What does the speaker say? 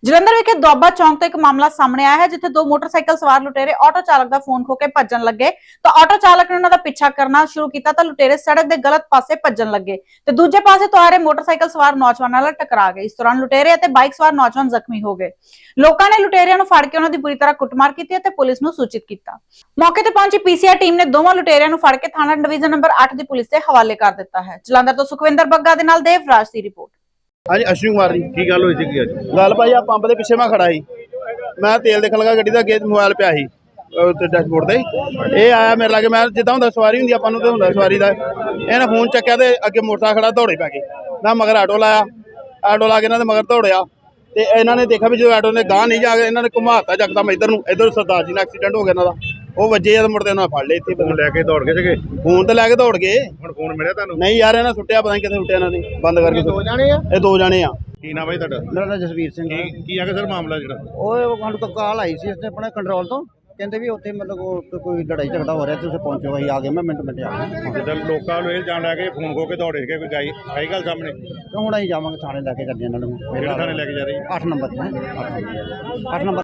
ਜਲੰਧਰ ਵਿਖੇ ਦੁਆਬਾ ਚੌਂਕ ਤੋਂ ਇੱਕ ਮਾਮਲਾ ਸਾਹਮਣੇ ਆਇਆ ਹੈ ਜਿੱਥੇ ਦੋ ਮੋਟਰਸਾਈਕਲ ਸਵਾਰ ਲੁਟੇਰੇ ਆਟੋ ਚਾਲਕ ਦਾ ਫੋਨ ਖੋ ਕੇ ਭੱਜਣ ਲੱਗੇ ਤਾਂ ਆਟੋ ਚਾਲਕ ਨੇ ਉਹਨਾਂ ਦਾ ਪਿੱਛਾ ਕਰਨਾ ਸ਼ੁਰੂ ਕੀਤਾ ਤਾਂ ਲੁਟੇਰੇ ਸੜਕ ਦੇ ਗਲਤ ਪਾਸੇ ਭੱਜਣ ਲੱਗੇ ਤੇ ਦੂਜੇ ਪਾਸੇ ਤੋਂ ਆ ਰਹੇ ਮੋਟਰਸਾਈਕਲ ਸਵਾਰ ਨੌਜਵਾਨਾਂ ਨਾਲ ਟਕਰਾ ਗਏ। ਇਸ ਦੌਰਾਨ ਲੁਟੇਰੇ ਅਤੇ ਬਾਈਕ ਸਵਾਰ ਨੌਜਵਾਨ ਜ਼ਖਮੀ ਹੋ ਗਏ। ਲੋਕਾਂ ਨੇ ਲੁਟੇਰਿਆਂ ਨੂੰ ਫੜ ਕੇ ਉਹਨਾਂ ਦੀ ਬੁਰੀ ਤਰ੍ਹਾਂ ਕੁੱਟਮਾਰ ਕੀਤੀ ਅਤੇ ਪੁਲਿਸ ਨੂੰ ਸੂਚਿਤ ਕੀਤਾ। ਮੌਕੇ ਤੇ ਪਹੁੰਚੀ ਪੀਸੀਆਰ ਟੀਮ ਨੇ ਦੋਵਾਂ ਲੁਟੇਰਿਆਂ ਨੂੰ ਫੜ ਕੇ ਥਾਣਾ ਡਿਵੀਜ਼ਨ ਨੰਬਰ 8 ਦੀ ਪੁਲਿਸ ਦੇ ਹਵਾਲੇ ਕਰ ਦਿੱਤਾ ਹੈ। ਜਲੰਧਰ ਤੋਂ ਸੁਖਵਿੰਦਰ ਬੱਗਾ ਦੇ ਨਾਲ ਦੇਵਰਾਜ ਦੀ ਰਿਪੋर्ट। हाँ जी अश्विन कुमार जी की गल होई सी गल भाई आ पंप के पिछे मैं खड़ा ही मैं तेल देखन लगा गड्डी का अगे मोबाइल पिया ही डैशबोर्ड से ये आया मेरे लागे मैं जिदा होंगे सवारी होंगी अपन तो होंगे सवारी का इन्हें फोन चक्या तो अगे मोटरसाइकिल खड़ा दौड़े पै गए। मैं मगर आटो लाया आटो ला के इन्होंने मगर दौड़िया तो इन्होंने देखा भी जो आटो ने गांह नहीं जाके इन्होंने घुमाता जकदम इधर सरदार जी ने एक्सीडेंट हो गया इन्हों वो वजे मुड़ते उन्होंने फड़ लिया इतने फोन लैके दौड़ गए थे फोन तो लैके दौड़ गए फोन मिले तुहानू नहीं यार इन्हें सुट्टिया पता नहीं कितने सुट्टिया इन्होंने बंद करके ये दो जाने आ की नाम है तुहाडा मेरा नाम जसवीर सिंह है। की आगे सर मामला जिहड़ा ਉਹ ਸਾਨੂੰ ਤੋਂ ਕਾਲ ਆਈ ਸੀ ਇਸਨੇ ਆਪਣੇ ਕੰਟਰੋਲ ਤੋਂ ਕਹਿੰਦੇ ਵੀ ਉੱਥੇ ਮਤਲਬ ਕੋਈ ਲੜਾਈ ਝਗੜਾ ਹੋ ਰਿਹਾ ਤੁਸੀਂ ਪਹੁੰਚੋ। ਅਸੀਂ ਆ ਗਏ, ਮੈਂ ਮਿੰਟ ਆ ਗਿਆ। ਜਿੱਦਾਂ ਲੋਕਾਂ ਨੂੰ ਇਹ ਜਾਣ ਲੈ ਕੇ ਫੋਨ ਖੋ ਕੇ ਦੌੜੇ ਸੀਗੇ ਕੋਈ ਆਈ ਗੱਲ ਸਾਹਮਣੇ ਤੇ ਹੁਣ ਅਸੀਂ ਜਾਵਾਂਗੇ ਥਾਣੇ ਲੈ ਕੇ ਚੱਲੇ ਇਹਨਾਂ ਨੂੰ। ਕਿਹੜੇ ਥਾਣੇ ਲੈ ਕੇ ਜਾ ਰਹੀ 8 ਨੰਬਰ ਤੇ 8 ਨੰਬਰ